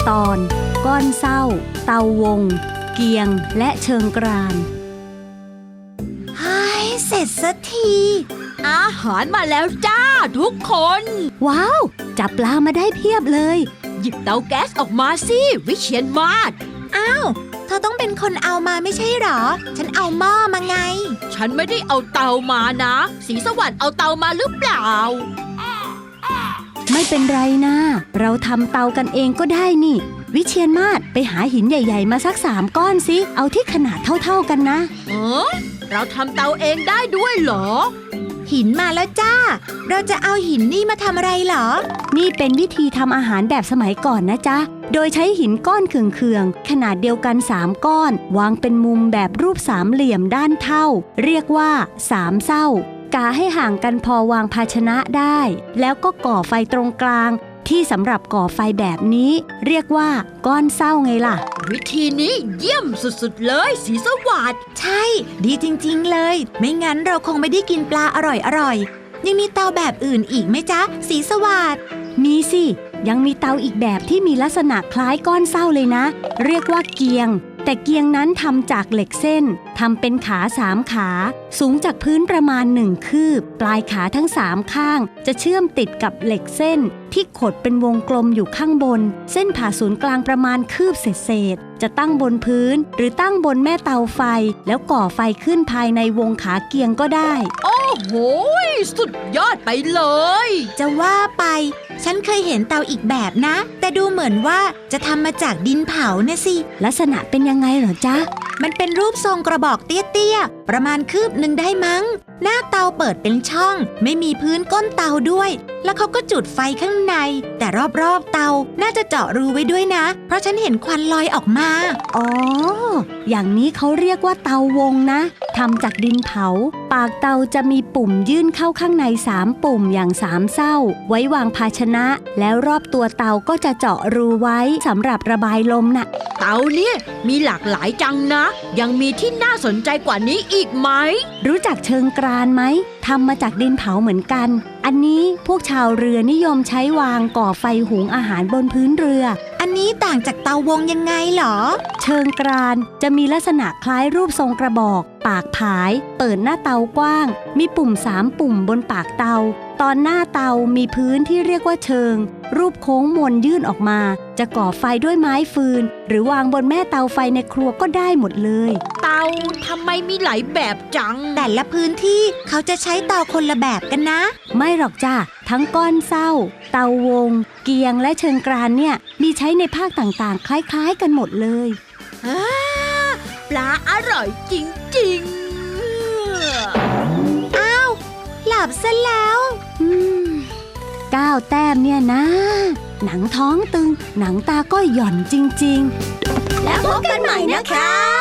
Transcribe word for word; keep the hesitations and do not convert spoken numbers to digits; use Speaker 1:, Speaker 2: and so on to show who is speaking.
Speaker 1: ตอนก้อนเศร้าเตาวงเกียงและเชิงกราน
Speaker 2: เฮ้ยเสร็จสักที
Speaker 3: อาหารมาแล้วจ้าทุกคน
Speaker 1: ว้าวจับปลามาได้เพียบเลย
Speaker 3: หยิบเตาแก๊สออกมาสิวิเชียรมาศ
Speaker 2: อ้าวเธอต้องเป็นคนเอามาไม่ใช่หรอฉันเอาหม้อมาไง
Speaker 3: ฉันไม่ได้เอาเตามานะศรีสวรรค์เอาเตามาหรือเปล่า
Speaker 1: ไม่เป็นไรนะเราทำเตากันเองก็ได้นี่วิเชียรมาศไปหาหินใหญ่ๆมาสักสามก้อนสิเอาที่ขนาดเท่าๆกันนะ
Speaker 3: เออเราทำเตาเองได้ด้วยเหรอ
Speaker 2: หินมาแล้วจ้าเราจะเอาหินนี่มาทำอะไรเหรอ
Speaker 1: นี่เป็นวิธีทำอาหารแบบสมัยก่อนนะจ๊ะโดยใช้หินก้อนเคืองๆขนาดเดียวกันสามก้อนวางเป็นมุมแบบรูปสามเหลี่ยมด้านเท่าเรียกว่าสามเศร้ากาให้ห่างกันพอวางภาชนะได้แล้วก็ก่อไฟตรงกลางที่สำหรับก่อไฟแบบนี้เรียกว่าก้อนเศร้าไงล่ะ
Speaker 3: วิธีนี้เยี่ยมสุดๆเลยศรีสวัสดิ์
Speaker 2: ใช่ดีจริงๆเลยไม่งั้นเราคงไม่ได้กินปลาอร่อยๆยังมีเตาแบบอื่นอีกไหมจ๊ะศรีสวัสดิ์
Speaker 1: มีสิยังมีเตาอีกแบบที่มีลักษณะคล้ายก้อนเศร้าเลยนะเรียกว่าเกียงแต่เกียงนั้นทำจากเหล็กเส้นทำเป็นขาสามขาสูงจากพื้นประมาณหนึ่งคืบปลายขาทั้งสามข้างจะเชื่อมติดกับเหล็กเส้นที่ขดเป็นวงกลมอยู่ข้างบนเส้นผ่าศูนย์กลางประมาณคืบเศษๆจะตั้งบนพื้นหรือตั้งบนแม่เตาไฟแล้วก่อไฟขึ้นภายในวงขาเกียงก็ได้
Speaker 3: โอ้โหสุดยอดไปเลย
Speaker 2: จะว่าไปฉันเคยเห็นเตาอีกแบบนะแต่ดูเหมือนว่าจะทำมาจากดินเผานะสิ
Speaker 1: ลักษณะเป็นยังไงเหรอจ๊ะ
Speaker 2: มันเป็นรูปทรงกระบอกเตี้ยๆประมาณคืบหนึ่งได้มั้งหน้าเตาเปิดเป็นช่องไม่มีพื้นก้นเตาด้วยแล้วเขาก็จุดไฟข้างในแต่รอบๆเตาน่าจะเจาะรูไว้ด้วยนะเพราะฉันเห็นควันลอยออกมา
Speaker 1: อ๋ออย่างนี้เขาเรียกว่าเตาวงนะทำจากดินเผาปากเตาจะมีปุ่มยื่นเข้าข้างในสามปุ่มอย่างสามเศร้าไว้วางภาชนะแล้วรอบตัวเตาก็จะเจาะรูไว้สำหรับระบายลมน่ะ
Speaker 3: เตาเนี่ยมีหลากหลายจังนะยังมีที่น่าสนใจกว่านี้อีกไหม
Speaker 1: รู้จักเชิงกรานไหมทำมาจากดินเผาเหมือนกันอันนี้พวกชาวเรือนิยมใช้วางก่อไฟหุงอาหารบนพื้นเรือ
Speaker 2: อันนี้ต่างจากเตาวงยังไงหรอ
Speaker 1: เชิงกรานจะมีลักษณะคล้ายรูปทรงกระบอกปากผายเปิดหน้าเตากว้างมีปุ่มสามปุ่มบนปากเตาตอนหน้าเตามีพื้นที่เรียกว่าเชิงรูปโค้งมนยื่นออกมาจะก่อไฟด้วยไม้ฟืนหรือวางบนแม่เตาไฟในครัวก็ได้หมดเลย
Speaker 3: เตาทำไมมีหลายแบบจัง
Speaker 2: แต่ละพื้นที่เขาจะใช้เตาคนละแบบกันนะ
Speaker 1: ไม่หรอกจ้ะทั้งก้อนเศร้าเตาวงเกียงและเชิงกรานเนี่ยมีใช้ในภาคต่างๆคล้ายๆกันหมดเลย
Speaker 3: ปลาอร่อยจริง
Speaker 2: ๆอ้าวหลับซะแล้ว
Speaker 1: ก้าวแต้มเนี่ยนะหนังท้องตึงหนังตาก็หย่อนจริงๆ
Speaker 2: แล้วพบกันใหม่นะคะ